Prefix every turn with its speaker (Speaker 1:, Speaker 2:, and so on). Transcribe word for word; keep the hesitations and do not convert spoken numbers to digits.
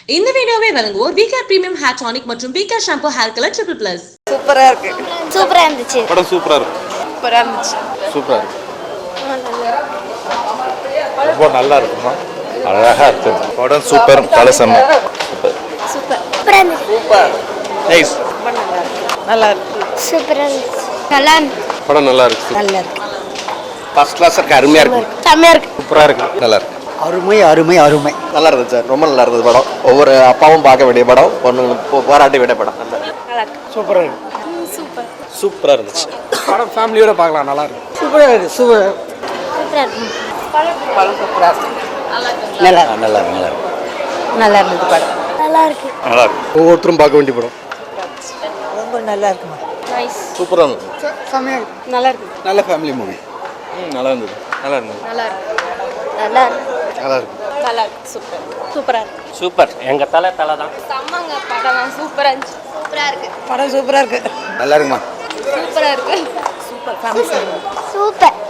Speaker 1: இந்த வீடியோவை வழங்குவோர் விகேர் பிரீமியம் ஹேர் டானிக் மற்றும் VCare shampoo hair colour triple plus.
Speaker 2: சூப்பரா இருக்கு.
Speaker 3: சூப்பரா இருந்துச்சு.
Speaker 4: படம் சூப்பரா இருக்கு.
Speaker 2: சூப்பரா இருந்துச்சு.
Speaker 4: சூப்பரா இருக்கு. ரொம்ப நல்லா இருக்குமா? அழகா இருக்கு. படம் சூப்பர். கலசம் சூப்பர்.
Speaker 3: சூப்பர். சூப்பரா இருந்துச்சு.
Speaker 4: சூப்பர். நைஸ்.
Speaker 2: ரொம்ப நல்லா இருக்கு. நல்லா இருக்கு.
Speaker 3: சூப்பரா இருந்துச்சு. நல்லா இருக்கு.
Speaker 4: படம் நல்லா இருக்கு.
Speaker 3: நல்லா இருக்கு.
Speaker 4: ஃபர்ஸ்ட் கிளாஸ் இருக்கு. அருமையா இருக்கு.
Speaker 3: செமையா இருக்கு.
Speaker 4: சூப்பரா இருக்கு. நல்லா இருக்கு.
Speaker 5: அருமை அருமை அருமை.
Speaker 6: நல்லா இருந்துச்சு சார். ரொம்ப நல்லா இருந்தது படம். ஒவ்வொரு அப்பாவும் பார்க்க வேண்டிய படம், பொண்ணு பாராட்ட வேண்டிய படம்.
Speaker 2: நல்லா இருக்கு.
Speaker 5: சூப்பரா இருக்கு.
Speaker 2: சூப்பர்.
Speaker 6: சூப்பரா இருந்துச்சு.
Speaker 5: படம் ஃபேமிலியோட பார்க்கலாம். நல்லா இருக்கு. சூப்பரா இருக்கு. சூப்பர்.
Speaker 3: சூப்பரா இருக்கு.
Speaker 2: படம் சூப்பரா இருக்கு.
Speaker 5: நல்லா
Speaker 6: நல்லா இருக்கு. நல்லா இருக்கு.
Speaker 2: நல்லா இருந்தது படம்.
Speaker 3: நல்லா இருக்கு.
Speaker 4: நல்லா இருக்கு. ஒவ்வொருத்தரும் பார்க்க வேண்டிய படம்.
Speaker 5: ரொம்ப நல்லா இருக்குமா.
Speaker 2: நைஸ்.
Speaker 4: சூப்பரா இருந்துச்சு.
Speaker 5: செமையா இருக்கு.
Speaker 2: நல்லா இருக்கு.
Speaker 5: நல்ல ஃபேமிலி மூவி.
Speaker 4: ம் நல்லா இருந்தது. நல்லா இருந்தது.
Speaker 2: நல்லா இருக்கு.
Speaker 3: நல்லா இருக்கு.
Speaker 4: நல்லா இருக்கு.
Speaker 2: நல்லா இருக்கு. சூப்பர். சூப்பரா இருக்கு.
Speaker 7: சூப்பர். எங்க தலை தலை தான்.
Speaker 2: செம்மங்க படம் சூப்பரா இருந்துச்சு. சூப்பரா இருக்கு.
Speaker 5: படம் சூப்பரா இருக்கு.
Speaker 6: நல்லா இருக்குமா?
Speaker 2: சூப்பரா இருக்கு. சூப்பர். Family
Speaker 3: super.